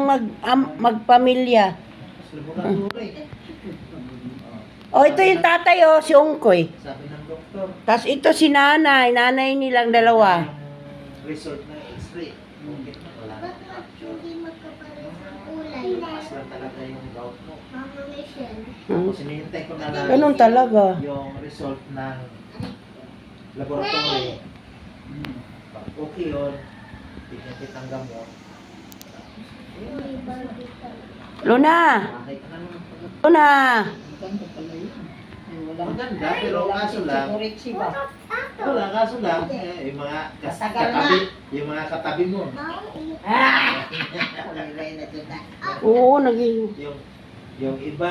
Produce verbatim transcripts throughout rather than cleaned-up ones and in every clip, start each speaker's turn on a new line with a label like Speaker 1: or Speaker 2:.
Speaker 1: mag, am, magpamilya. Oh, ito yung tatay, oh, si Ungkoy.
Speaker 2: Sabi ng doktor.
Speaker 1: Tapos ito si nanay, nanay nilang dalawa.
Speaker 2: Yung result na x-ray. Okay na, wala na.
Speaker 3: Hindi magkapares ang kulay.
Speaker 2: Taas lang talaga yung gout mo.
Speaker 3: Mama Michelle.
Speaker 2: Tapos hinihintay ko na lang
Speaker 1: Ganun talaga.
Speaker 2: yung result ng laboratory. Pag okay yun, bigyan kitang gamot.
Speaker 3: May Barbie ka.
Speaker 1: Luna!
Speaker 2: Okay ka na naman.
Speaker 1: Luna!
Speaker 2: Maganda, pero kaso lang, wala, kaso lang, eh, yung mga kas- katabi, yung mga katabi mo,
Speaker 1: Oo, naging...
Speaker 2: yung, yung iba,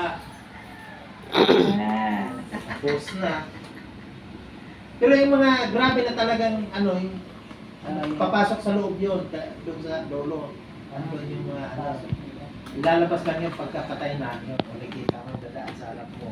Speaker 2: post na. Pero yung mga grabe na talagang, ano, yung, ano, papasok sa loob yun, ka- doon sa lolo, ano yung mga, ano, ilalabas lang yung pagkapatay na, yun, kung nakikita mo, dadaan sa harap mo.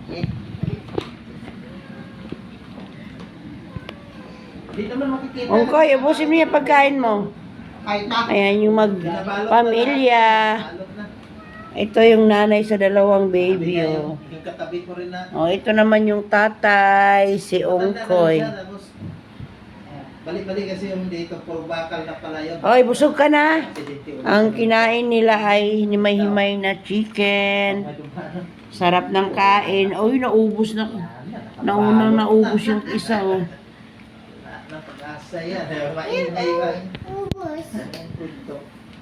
Speaker 2: Hindi naman makikita.
Speaker 1: Ungkoy, ubusin mo yung pagkain mo.
Speaker 2: Kahit na.
Speaker 1: Ayan yung
Speaker 2: Binabalot
Speaker 1: magpamilya.
Speaker 2: na lang. Balot na.
Speaker 1: Ito yung nanay sa dalawang baby,
Speaker 2: Sabi nga
Speaker 1: oh.
Speaker 2: Yung, yung katabi ko rin na.
Speaker 1: Oh, ito naman yung tatay, si
Speaker 2: matanda na
Speaker 1: Ungkoy.
Speaker 2: siya, tapos, balik-balik kasi yung dito, puro bakal na pala yun.
Speaker 1: Oy, busog ka na.
Speaker 2: Aksidente ulit.
Speaker 1: Ang kinain nila ay himay-himay na chicken. Sarap ng kain. Oy, naubos na. Naunang naubos yung isa, oh.
Speaker 2: Na pag-asa yan. Maingay ba?
Speaker 3: Ubus.
Speaker 2: Ang punto.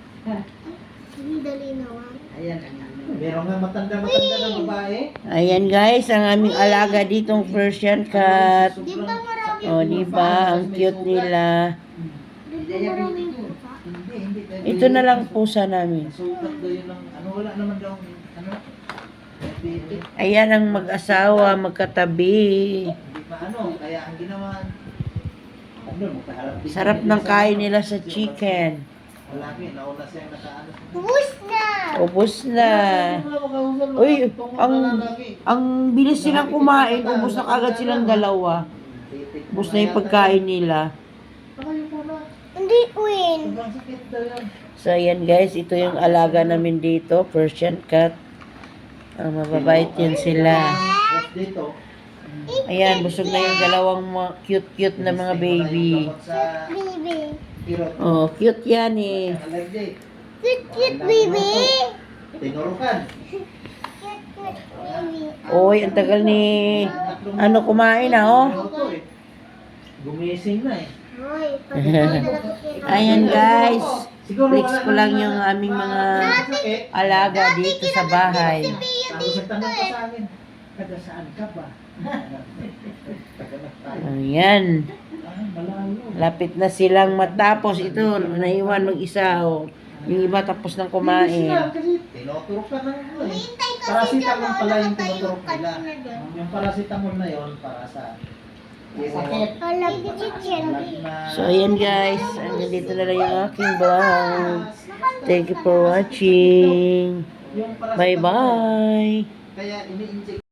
Speaker 3: Hindi dali naman.
Speaker 2: Meron nga matanda-matanda ng babae.
Speaker 1: Ayan guys, ang aming alaga ditong Persian cat.
Speaker 3: Di ba marami
Speaker 1: O, oh, di ba? Ang cute nila.
Speaker 3: Di ba maraming pusa?
Speaker 2: Hindi, hindi. Dahil
Speaker 1: Ito na lang pusa namin.
Speaker 2: Sukat daw yun ng, ano, wala naman daw, ano, diabetes.
Speaker 1: Ayan ang mag-asawa, magkatabi.
Speaker 2: Hindi pa ano, kaya ang ginawa, ano, makaharap din
Speaker 1: Sarap
Speaker 2: kami
Speaker 1: ng
Speaker 2: sa-
Speaker 1: kain nila sa chicken.
Speaker 2: Malaki, nauna siyang nakaano.
Speaker 3: Ubus na!
Speaker 1: Ubus na. Uy, ang ang bilis silang kumain. Ubus na kagad silang dalawa. Ubus na yung pagkain nila.
Speaker 3: Hindi, Queen.
Speaker 2: Sobrang sakit daw yan.
Speaker 1: So, ayan guys, ito yung alaga namin dito, Persian cat. Ang mababait yan sila.
Speaker 2: Tapos dito,
Speaker 1: Ayan, busog na yung dalawang mga cute-cute na mga baby.
Speaker 2: sa
Speaker 3: Baby.
Speaker 2: kirot.
Speaker 1: Oh, cute yan eh.
Speaker 2: Allergic.
Speaker 3: Cute, cute, baby.
Speaker 2: Tinurukan.
Speaker 3: Cute, cute, baby.
Speaker 1: Oy, ang tagal ni ano kumain na oh.
Speaker 2: Ito eh. Gumising na eh.
Speaker 3: Hoy, pag
Speaker 1: Ayan guys,
Speaker 2: Siguro
Speaker 1: flex
Speaker 2: wala
Speaker 1: ko lang
Speaker 2: naman
Speaker 1: yung
Speaker 2: na-
Speaker 1: aming mga
Speaker 2: sakit.
Speaker 1: alaga dito sa bahay.
Speaker 2: Tapos nagtanong pa sa akin, taga saan ka ba? Taga na tayo.
Speaker 1: Ayan,
Speaker 2: Ah, malayo.
Speaker 1: lapit na silang matapos. Ito, naiwan mag-isa oh. Yung iba tapos ng
Speaker 2: Hindi
Speaker 1: kumain.
Speaker 2: sila, kasi tinuturok ka ng ano eh. Paracetamol pala yung tinuturok nila. Yung paracetamol na yon para sa sakit.
Speaker 3: Alam ni chicken.
Speaker 1: So ayan guys, hanggang dito na lang yung aking vlog. Thank you for watching.
Speaker 2: Yung paracetamol,
Speaker 1: Bye bye.
Speaker 2: kaya ini-inject